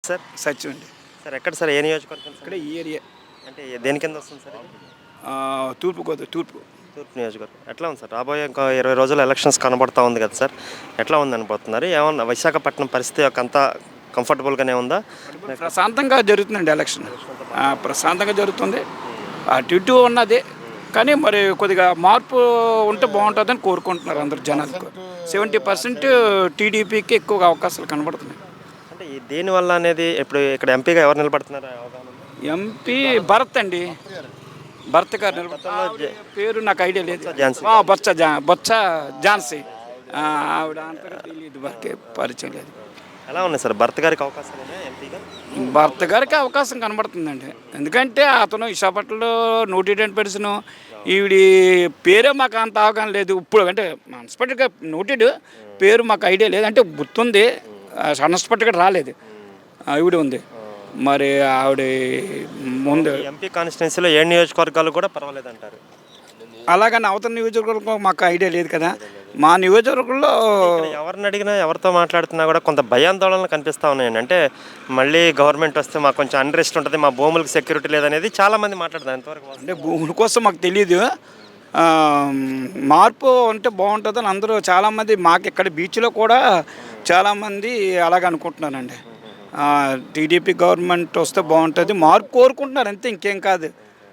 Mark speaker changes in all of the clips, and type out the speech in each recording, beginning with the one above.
Speaker 1: Sir
Speaker 2: Sachin అండి.
Speaker 1: Sir ఎక్కడ sir ఏ నియోజకవర్గం సార్
Speaker 2: ఇక్కడ ఈ ఏరియా
Speaker 1: అంటే దేని కింద వస్తుంది సార్ ఇది?
Speaker 2: తూర్పు
Speaker 1: తూర్పు నియోజకవర్గం ఎట్లా ఉంది సార్ రాబోయే ఇంకా 20 రోజులు ఎలక్షన్స్ కనబడతా ఉంది కదా సార్ ఎట్లా ఉంది అనుకుంటున్నారు ఏమన్నా విశాఖపట్నం పరిస్థితి ఒక అంతా కంఫర్టబుల్గానే ఉందా
Speaker 2: ప్రశాంతంగా జరుగుతుందండి ఎలక్షన్. ప్రశాంతంగా జరుగుతుంది. అటు ఇటు ఉన్నది, కానీ మరి కొద్దిగా మార్పు ఉంటే బాగుంటుందని కోరుకుంటున్నారు అందరు జనాలకు. 70% టీడీపీకి ఎక్కువగా అవకాశాలు కనబడుతున్నాయి.
Speaker 1: అంటే ఈ దేనివల్ల అనేది ఇప్పుడు ఇక్కడ ఎంపీగా ఎవరు నిలబడుతున్నారు అవగాహన ఉందా?
Speaker 2: ఎంపీ భరత్ అండి, భరత్ గారు నిలబడుతున్నారు. పేరు నాకు ఐడియా లేదు.
Speaker 1: ఝాన్సీ.
Speaker 2: బొత్స ఝాన్సీ. ఆవిడ అంతగా తెలియదు, వరకే పరిచయం లేదు.
Speaker 1: ఎలా ఉన్నాయి సార్ భర్త గారికి అవకాశాలు ఉన్నాయా ఎంపీగా
Speaker 2: భర్త గారికి అవకాశం కనబడుతుందండి. ఎందుకంటే అతను విశాఖపట్నంలో నోటెడ్ పర్సన్. ఈవిడి పేరే మాకు అంత అవగాహన లేదు. ఇప్పుడు అంటే అన్స్పెక్టెడ్గా నోటెడ్ పేరు మాకు ఐడియా లేదు, అంటే గుర్తుంది, అన్స్పెక్టెడ్గా రాలేదు. ఈవిడ ఉంది మరి. ఆవిడ ముందు
Speaker 1: ఎంపీ కాన్స్టిట్యున్సీలో 7 నియోజకవర్గాలు కూడా పర్వాలేదు అంటారు.
Speaker 2: అలాగని అవతల నియోజకవర్గం మాకు ఐడియా లేదు కదా. మా నియోజకవర్గంలో
Speaker 1: ఎవరిని అడిగినా ఎవరితో మాట్లాడుతున్నా కూడా కొంత భయాందోళనలు కనిపిస్తూ ఉన్నాయండి. అంటే మళ్ళీ గవర్నమెంట్ వస్తే మాకు కొంచెం అన్రెస్ట్ ఉంటుంది, మా భూములకు సెక్యూరిటీ లేదనేది చాలామంది మాట్లాడతారు. ఎంతవరకు
Speaker 2: అంటే భూముల కోసం మాకు తెలియదు. మార్పు అంటే బాగుంటుందని అందరూ చాలామంది, మాకు ఇక్కడ బీచ్లో కూడా చాలామంది అలాగ అనుకుంటున్నారండి. టీడీపీ గవర్నమెంట్ వస్తే బాగుంటుంది, మార్పు కోరుకుంటున్నారు అంతే, ఇంకేం కాదు.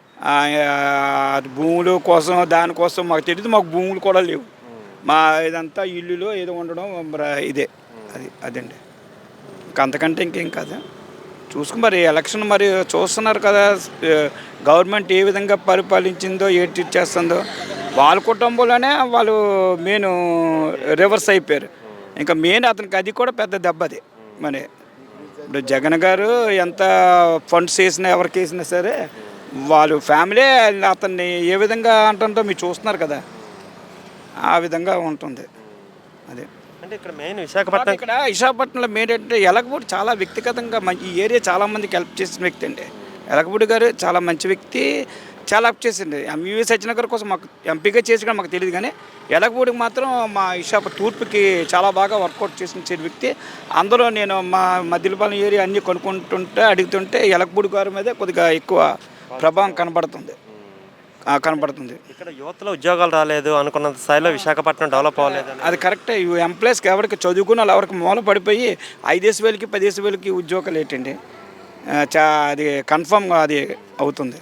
Speaker 2: భూముల కోసం దానికోసం మాకు తెలియదు. మాకు భూములు కూడా లేవు. మా ఇదంతా ఇల్లులో ఏదో ఉండడం ఇదే అదండి. అంతకంటే ఇంకేం కాదు. చూసుకుని మరి ఎలక్షన్ మరి చూస్తున్నారు కదా, గవర్నమెంట్ ఏ విధంగా పరిపాలించిందో, ఏంటి చేస్తుందో. వాళ్ళ కుటుంబంలోనే వాళ్ళు మెయిన్ రివర్స్ అయిపోయారు. ఇంకా మెయిన్ అతనికి అది కూడా పెద్ద దెబ్బది. మరి ఇప్పుడు జగన్ గారు ఎంత ఫండ్స్ వేసినా ఎవరికి వేసినా సరే వాళ్ళు ఫ్యామిలీ అతన్ని ఏ విధంగా అంటుందో మీరు చూస్తున్నారు కదా, ఆ విధంగా ఉంటుంది. అదే
Speaker 1: అంటే ఇక్కడ మెయిన్ విశాఖపట్నం,
Speaker 2: ఇక్కడ విశాఖపట్నంలో మెయిన్ అంటే ఎలగపూడి చాలా వ్యక్తిగతంగా ఈ ఏరియా చాలామందికి హెల్ప్ చేసిన వ్యక్తి అండి. ఎలగపూడి గారు చాలా మంచి వ్యక్తి, చాలా హెల్ప్ చేసింది. ఎంవీవీ సత్యనగర్ కోసం మాకు ఎంపీగా చేసి కూడా మాకు తెలియదు, కానీ ఎలగపూడికి మాత్రం మా తూర్పుకి చాలా బాగా వర్కౌట్ చేసిన వ్యక్తి. అందులో నేను మా మధ్యలపాలెం ఏరియా అన్నీ కొనుక్కుంటుంటే అడుగుతుంటే ఎలగపూడి గారి మీద కొద్దిగా ఎక్కువ ప్రభావం కనబడుతుంది.
Speaker 1: ఇక్కడ యువతలో ఉద్యోగాలు రాలేదు అనుకున్నంత స్థాయిలో విశాఖపట్నం డెవలప్ అవ్వలేదు.
Speaker 2: అది కరెక్టే. ఎంప్లాయీస్కి ఎవరికి చదువుకున్న వాళ్ళు ఎవరికి మూల పడిపోయి 5,000కి 10,000కి ఉద్యోగాలు ఏంటండి, అది కన్ఫామ్గా అది అవుతుంది.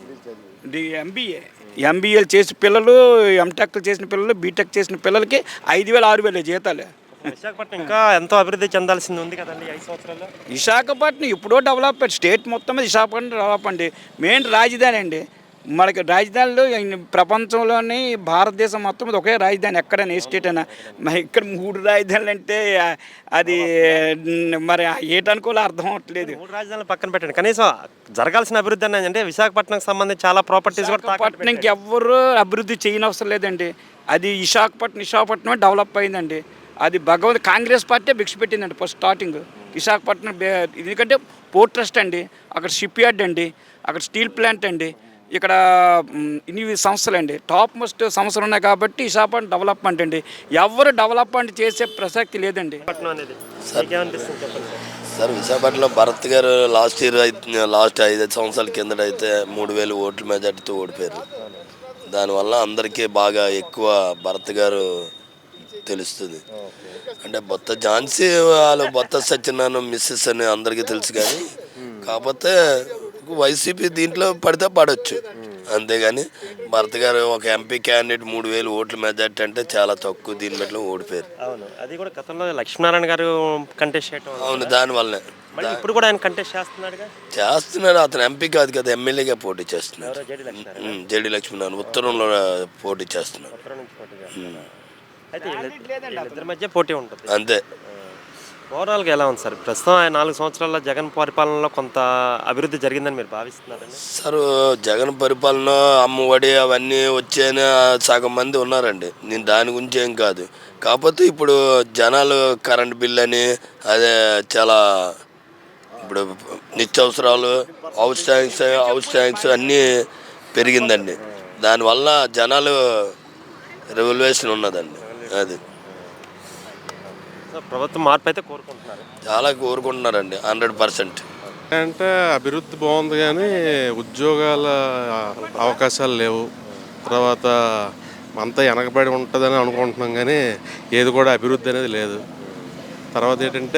Speaker 2: ఎంబీఏలు చేసిన పిల్లలు, ఎంటెక్ చేసిన పిల్లలు, బీటెక్ చేసిన పిల్లలకి 5,000 6,000 జీతాలు.
Speaker 1: విశాఖపట్నం ఇంకా ఎంతో అభివృద్ధి చెందాల్సింది ఉంది కదండి 5 సంవత్సరాల్లో.
Speaker 2: విశాఖపట్నం ఇప్పుడో డెవలప్, స్టేట్ మొత్తం మీద విశాఖపట్నం డెవలప్ అండి. మెయిన్ రాజధాని అండి. మనకి రాజధానిలో ప్రపంచంలోని భారతదేశం మొత్తం మీద ఒకే రాజధాని, ఎక్కడైనా ఏ స్టేట్ అయినా. మరి ఇక్కడ 3 రాజధానులు అంటే అది మరి ఏటనుకోలే అర్థం అవ్వట్లేదు.
Speaker 1: 3 రాజధానులు పక్కన పెట్టండి, కనీసం జరగాల్సిన అభివృద్ధి అనేది అంటే విశాఖపట్నంకి సంబంధించి చాలా ప్రాపర్టీస్ కూడా
Speaker 2: విశాఖపట్నంకి ఎవరు అభివృద్ధి చేయనవసరం లేదండి. అది విశాఖపట్నమే డెవలప్ అయిందండి. అది కాంగ్రెస్ పార్టీ భిక్ష పెట్టిందండి ఫస్ట్ స్టార్టింగ్ విశాఖపట్నం. ఎందుకంటే పోర్ట్ ట్రస్ట్ అండి, అక్కడ షిప్ యార్డ్ అండి, అక్కడ స్టీల్ ప్లాంట్ అండి, ఇక్కడ ఇన్ని సంస్థలు అండి, టాప్ మోస్ట్ సంస్థలు ఉన్నాయి. కాబట్టి విశాఖపట్నం డెవలప్మెంట్ అండి. ఎవరు డెవలప్మెంట్ చేసే ప్రసక్తి లేదండి.
Speaker 3: సార్ విశాఖపట్నంలో భరత్ గారు లాస్ట్ 5 సంవత్సరాల కిందట అయితే 3,000 ఓట్ల మెజార్టీతో ఓడిపోయారు. దానివల్ల అందరికీ బాగా ఎక్కువ భరత్ గారు తెలుస్తుంది. అంటే బొత్త ఝాన్సీ వాళ్ళు బొత్త సత్యనారాయణ మిస్సెస్ అని అందరికీ తెలుసు, కానీ కాకపోతే వైసీపీ దీంట్లో పడితే పడవచ్చు, అంతేగాని భరత్ గారు ఒక ఎంపీ క్యాండిడేట్ 3,000 ఓట్ల మెజార్టీ అంటే చాలా తక్కువ, దీని బట్టి ఓడిపోయారు.
Speaker 1: అవును, అది కూడా గతంలో లక్ష్మీనారాయణ గారు కంటెస్ట్ చేయడం.
Speaker 3: అవును, దానివల్లనే.
Speaker 1: ఇప్పుడు కూడా ఆయన కంటెస్ట్
Speaker 3: చేస్తున్నాడు. అతను ఎంపీ కాదు కదా, ఎమ్మెల్యేగా పోటీ చేస్తున్నాడు. జేడి లక్ష్మీనారాయణ ఉత్తరంలో పోటీ చేస్తున్నాడు.
Speaker 1: అయితే ఇద్దరి మధ్య పోటీ ఉంటుంది
Speaker 3: అంతే.
Speaker 1: ఓవరాల్గా ఎలా ఉంది సార్ ప్రస్తుతం 4 సంవత్సరాల జగన్ పరిపాలనలో కొంత అభివృద్ధి జరిగిందని మీరు భావిస్తున్నారండి?
Speaker 3: సార్ జగన్ పరిపాలన అమ్మఒడి అవన్నీ వచ్చాయని సగం మంది ఉన్నారండి. నేను దాని గురించి ఏం కాదు. కాకపోతే ఇప్పుడు జనాలు కరెంట్ బిల్ అని అదే చాలా ఇప్పుడు నిత్యావసరాలు హౌస్ ట్యాంక్స్ అన్నీ పెరిగిందండి. దానివల్ల జనాలు రెవల్యూషన్ ఉన్నదండి. అది
Speaker 1: సో ప్రభుత్వం మార్పు అయితే కోరుకుంటున్నారు.
Speaker 3: చాలా కోరుకుంటున్నారండి 100%.
Speaker 4: అంటే అభివృద్ధి బాగుంది కానీ ఉద్యోగాల అవకాశాలు లేవు. తర్వాత అంతా వెనకబడి ఉంటుందని అనుకుంటున్నాం కానీ ఏది కూడా అభివృద్ధి అనేది లేదు. తర్వాత ఏంటంటే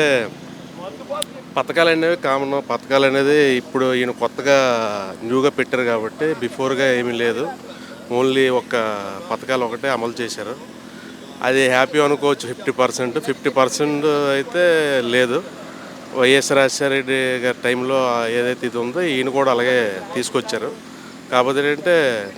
Speaker 4: పథకాలు అనేవి కామన్. పథకాలు అనేది ఇప్పుడు ఈయన కొత్తగా న్యూగా పెట్టారు కాబట్టి బిఫోర్గా ఏమీ లేదు. ఓన్లీ ఒక పథకాలు ఒకటే అమలు చేశారు. అది హ్యాపీ అనుకోవచ్చు 50%. 50% అయితే లేదు. వైఎస్ రాజశేఖరరెడ్డి గారి టైంలో ఏదైతే ఇది ఉందో ఈయన కూడా అలాగే తీసుకొచ్చారు. కాకపోతే ఏంటంటే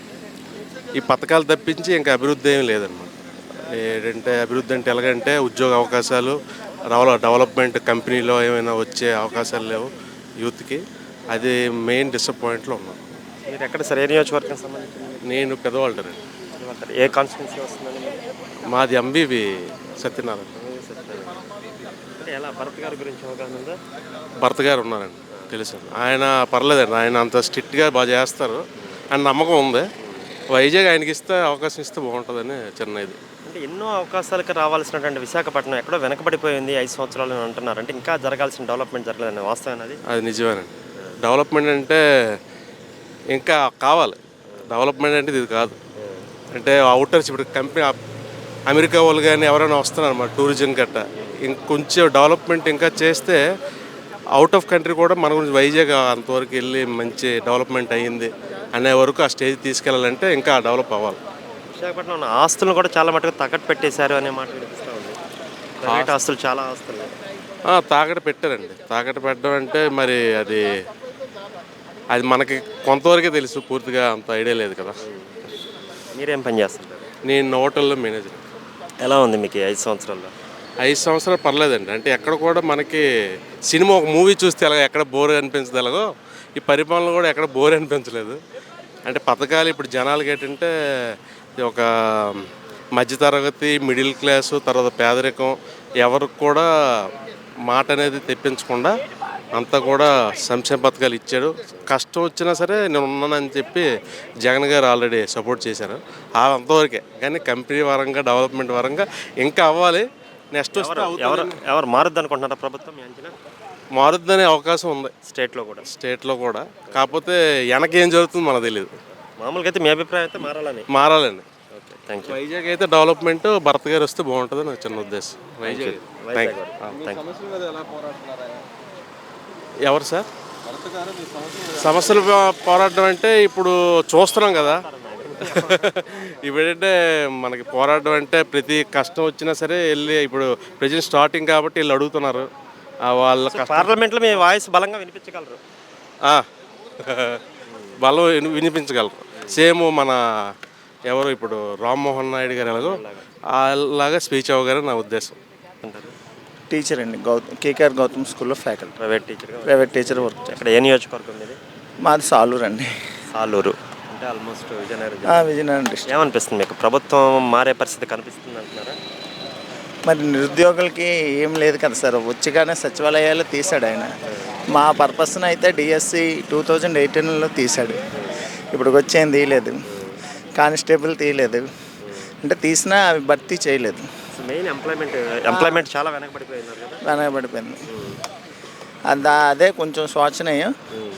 Speaker 4: ఈ పథకాలు తప్పించి ఇంకా అభివృద్ధి ఏమీ లేదన్నమాట. ఏంటంటే అభివృద్ధి అంటే ఎలాగంటే ఉద్యోగ అవకాశాలు డెవలప్మెంట్ కంపెనీలో ఏమైనా వచ్చే అవకాశాలు లేవు యూత్కి. అది మెయిన్ డిసప్పాయింట్లో ఉన్నాం.
Speaker 1: మీరు ఎక్కడ సార్, ఏ నియోజకవర్గం సంబంధించింది?
Speaker 4: నేను పెద్దవాళ్ళండి.
Speaker 1: ఏ కాన్స్టిట్యున్సీ వస్తుందండి మీరు?
Speaker 4: మాది ఎంబీవి సత్యనారాయణ.
Speaker 1: అంటే ఎలా భరత్ గారి గురించి అవగాహన ఉందా?
Speaker 4: భర్త గారు ఉన్నారండి, తెలుసు. ఆయన పర్లేదండి, ఆయన అంత స్ట్రిక్ట్గా బాగా చేస్తారు అని నమ్మకం ఉంది. వైజాగ్ ఆయనకి ఇస్తే అవకాశం ఇస్తే బాగుంటుందని చిన్న ఇది.
Speaker 1: అంటే ఎన్నో అవకాశాలకు రావాల్సినటువంటి విశాఖపట్నం ఎక్కడో వెనకబడిపోయింది 5 సంవత్సరాలు అని అంటున్నారు. అంటే ఇంకా జరగాల్సిన డెవలప్మెంట్ జరగలేదండి, వాస్తవం అది?
Speaker 4: అది నిజమేనండి. డెవలప్మెంట్ అంటే ఇంకా కావాలి. డెవలప్మెంట్ అంటే ఇది కాదు. అంటే అవుటర్స్ ఇప్పుడు కంపెనీ అమెరికా వాళ్ళు కానీ ఎవరైనా వస్తున్నారు అన్నమాట, టూరిజం గట్ట. ఇంకొంచెం డెవలప్మెంట్ ఇంకా చేస్తే అవుట్ ఆఫ్ కంట్రీ కూడా మన గురించి వైజాగ్ అంతవరకు వెళ్ళి మంచి డెవలప్మెంట్ అయ్యింది అనే వరకు ఆ స్టేజ్ తీసుకెళ్ళాలంటే ఇంకా డెవలప్ అవ్వాలి.
Speaker 1: విశాఖపట్నం ఉన్న ఆస్తులను కూడా చాలా మటుకు తాకట్టు పెట్టేశారు అనే మాట వినిపిస్తూ ఉంది. ప్రైవేట్ ఆస్తులు, చాలా ఆస్తులు
Speaker 4: తాకట్టు పెట్టారండి. తాకట్టు పెట్టడం అంటే మరి అది మనకి కొంతవరకే తెలుసు, పూర్తిగా అంత ఐడియా లేదు కదా.
Speaker 1: మీరేం పని చేస్తుంటారు?
Speaker 4: నేను హోటల్లో మేనేజర్.
Speaker 1: ఎలా ఉంది మీకు 5 సంవత్సరాల్లో?
Speaker 4: 5 సంవత్సరాలు పర్లేదండి. అంటే ఎక్కడ కూడా మనకి సినిమా ఒక మూవీ చూస్తే ఎలాగో ఎక్కడ బోర్ అనిపించదు, ఎలాగో ఈ పరిపాలన కూడా ఎక్కడ బోర్ అనిపించలేదు. అంటే పథకాలు ఇప్పుడు జనాలకి ఏంటంటే ఒక మధ్యతరగతి, మిడిల్ క్లాసు, తర్వాత పేదరికం ఎవరికి కూడా మాట అనేది తెప్పించకుండా అంతా కూడా సంక్షేమ పథకాలు ఇచ్చాడు. కష్టం వచ్చినా సరే నేను ఉన్నానని చెప్పి జగన్ గారు ఆల్రెడీ సపోర్ట్ చేశారు. అంతవరకే. కానీ కంపెనీ పరంగా, డెవలప్మెంట్ పరంగా ఇంకా అవ్వాలి. నెక్స్ట్ వస్తే
Speaker 1: ఎవరు మారుద్ది అనుకుంటున్నారా ప్రభుత్వం? మీ అంచనా?
Speaker 4: మారుద్దనే అవకాశం ఉంది స్టేట్లో కూడా. కాకపోతే వెనకేం జరుగుతుందో మనకు తెలియదు.
Speaker 1: మామూలుగా అయితే మీ అభిప్రాయం అయితే
Speaker 4: మారాలండి.
Speaker 1: Okay, thank you.
Speaker 4: వైజాగ్ అయితే డెవలప్మెంట్ భరత్ గారు వస్తే బాగుంటుంది నాకు చిన్న ఉద్దేశం. వైజాగ్ ఎవరు సార్ సమస్యలు పోరాటం అంటే ఇప్పుడు చూస్తున్నాం కదా. ఇప్పుడంటే మనకి పోరాటం అంటే ప్రతి కష్టం వచ్చినా సరే వెళ్ళి, ఇప్పుడు ప్రజెంట్ స్టార్టింగ్ కాబట్టి వీళ్ళు అడుగుతున్నారు వాళ్ళ
Speaker 1: పార్లమెంట్లో మీ వాయిస్ బలంగా వినిపించగలరు.
Speaker 4: బలం వినిపించగలరు. సేమ్ మన ఎవరు ఇప్పుడు రామ్మోహన్ నాయుడు గారు ఎలాగో అలాగా స్పీచ్ అవ్వగానే నా ఉద్దేశం.
Speaker 5: టీచర్ అండి, కేకేఆర్ గౌతమ్ స్కూల్లో ఫ్యాకల్టీ.
Speaker 1: Private teacher
Speaker 5: work.
Speaker 1: అక్కడ ఏ నియోజకవర్గం మీది?
Speaker 5: మాది సాలూరు అండి.
Speaker 1: సాలూరు అంటే ఆల్మోస్ట్ విజయనగరం.
Speaker 5: విజయనగరం డిస్ట్రిక్ట్.
Speaker 1: ఏమనిపిస్తుంది మీకు? ప్రభుత్వం మారే పరిస్థితి కనిపిస్తుంది అంటున్నారా?
Speaker 5: మరి నిరుద్యోగులకి ఏం లేదు కదా సార్. వచ్చిగానే సచివాలయాలు తీశాడు ఆయన. మా పర్పస్ను అయితే డిఎస్సి 2018లో తీశాడు. ఇప్పుడు వచ్చేం తీయలేదు. కానిస్టేబుల్ తీయలేదు. అంటే తీసినా అవి భర్తీ చేయలేదు.
Speaker 1: మెయిన్ ఎంప్లాయ్మెంట్ చాలా
Speaker 5: వెనకబడిపోయింది. అదే కొంచెం శోచనీయం.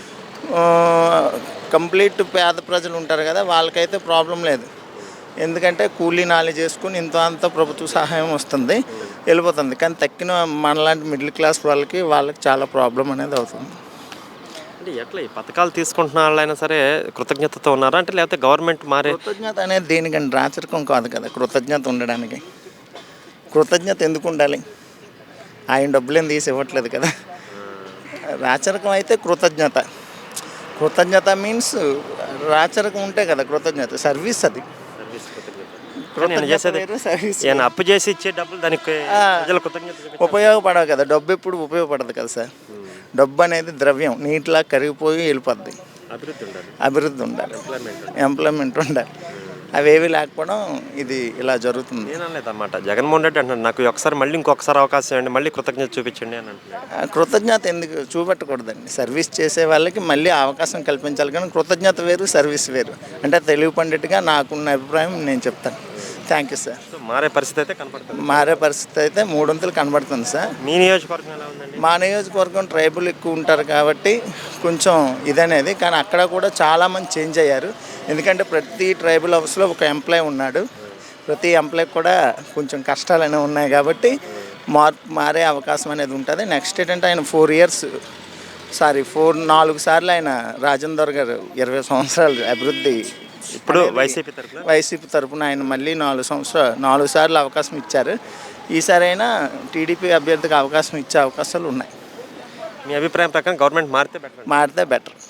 Speaker 5: కంప్లీట్ పేద ప్రజలు ఉంటారు కదా, వాళ్ళకైతే ప్రాబ్లం లేదు. ఎందుకంటే కూలీ నాలి చేసుకుని ఇంత అంత ప్రభుత్వ సహాయం వస్తుంది, వెళ్ళిపోతుంది. కానీ తక్కిన మనలాంటి మిడిల్ క్లాస్ వాళ్ళకి చాలా ప్రాబ్లం అనేది అవుతుంది.
Speaker 1: అంటే ఎట్లా ఈ పథకాలు తీసుకుంటున్న వాళ్ళైనా సరే కృతజ్ఞతతో ఉన్నారా? అంటే లేకపోతే గవర్నమెంట్ మారే
Speaker 5: కృతజ్ఞత అనేది దేనికండి? రాచరికం కాదు కదా కృతజ్ఞత ఉండడానికి. కృతజ్ఞత ఎందుకు ఉండాలి? ఆయన డబ్బులేం తీసి ఇవ్వట్లేదు కదా. రాచరికం అయితే కృతజ్ఞత మీన్స్ రాచరికం ఉంటే కదా కృతజ్ఞత. సర్వీస్ అది.
Speaker 1: అప్పు చేసి ఇచ్చే డబ్బులు దానికి
Speaker 5: ఉపయోగపడవు కదా. డబ్బు ఎప్పుడు ఉపయోగపడదు కదా సార్. డబ్బు అనేది ద్రవ్యం, నీటిలా కరిగిపోయి వెళ్ళిపోద్ది. అభివృద్ధి ఉండాలి, ఎంప్లాయ్మెంట్ ఉండాలి. అవేవి లేకపోవడం ఇది ఇలా జరుగుతుంది.
Speaker 1: నేనలేదన్నమాట. జగన్మోహన్ రెడ్డి అంటున్నాడు నాకు ఒకసారి మళ్ళీ ఇంకొకసారి అవకాశం ఇవ్వండి, మళ్ళీ కృతజ్ఞత చూపించండి అని అంటున్నాడు.
Speaker 5: కృతజ్ఞత ఎందుకు చూపెట్టకూడదండి? సర్వీస్ చేసే వాళ్ళకి మళ్ళీ అవకాశం కల్పించాలి. కానీ కృతజ్ఞత వేరు, సర్వీస్ వేరు. అంటే తెలుగు పండిట్గా నాకున్న అభిప్రాయం నేను చెప్తాను. Thank you sir.
Speaker 1: సో మారే పరిస్థితి అయితే కనపడుతుంది.
Speaker 5: మారే పరిస్థితి అయితే మూడొంతులు కనబడుతుంది సార్.
Speaker 1: మీ నియోజకవర్గం ఎలా ఉందండి?
Speaker 5: మా నియోజకవర్గం ట్రైబుల్ ఎక్కువ ఉంటారు కాబట్టి కొంచెం ఇదనేది, కానీ అక్కడ కూడా చాలామంది చేంజ్ అయ్యారు. ఎందుకంటే ప్రతి ట్రైబల్ హౌస్లో ఒక ఎంప్లాయ్ ఉన్నాడు. ప్రతి ఎంప్లాయ్కి కూడా కొంచెం కష్టాలు అనేవి ఉన్నాయి కాబట్టి మారే అవకాశం అనేది ఉంటుంది. నెక్స్ట్ ఏంటంటే ఆయన 4 సార్లు ఆయన రాజేందర్ గారు 20 సంవత్సరాలు అభివృద్ధి
Speaker 1: ఇప్పుడు
Speaker 5: అనేది వైసీపీ తరపున ఆయన మళ్ళీ 4 సార్లు అవకాశం ఇచ్చారు. ఈసారి అయినా టీడీపీ అభ్యర్థికి అవకాశం ఇచ్చే అవకాశాలు ఉన్నాయి.
Speaker 1: మీ అభిప్రాయం ప్రకారం గవర్నమెంట్ మారితే బెటర్?
Speaker 5: మారితే బెటర్.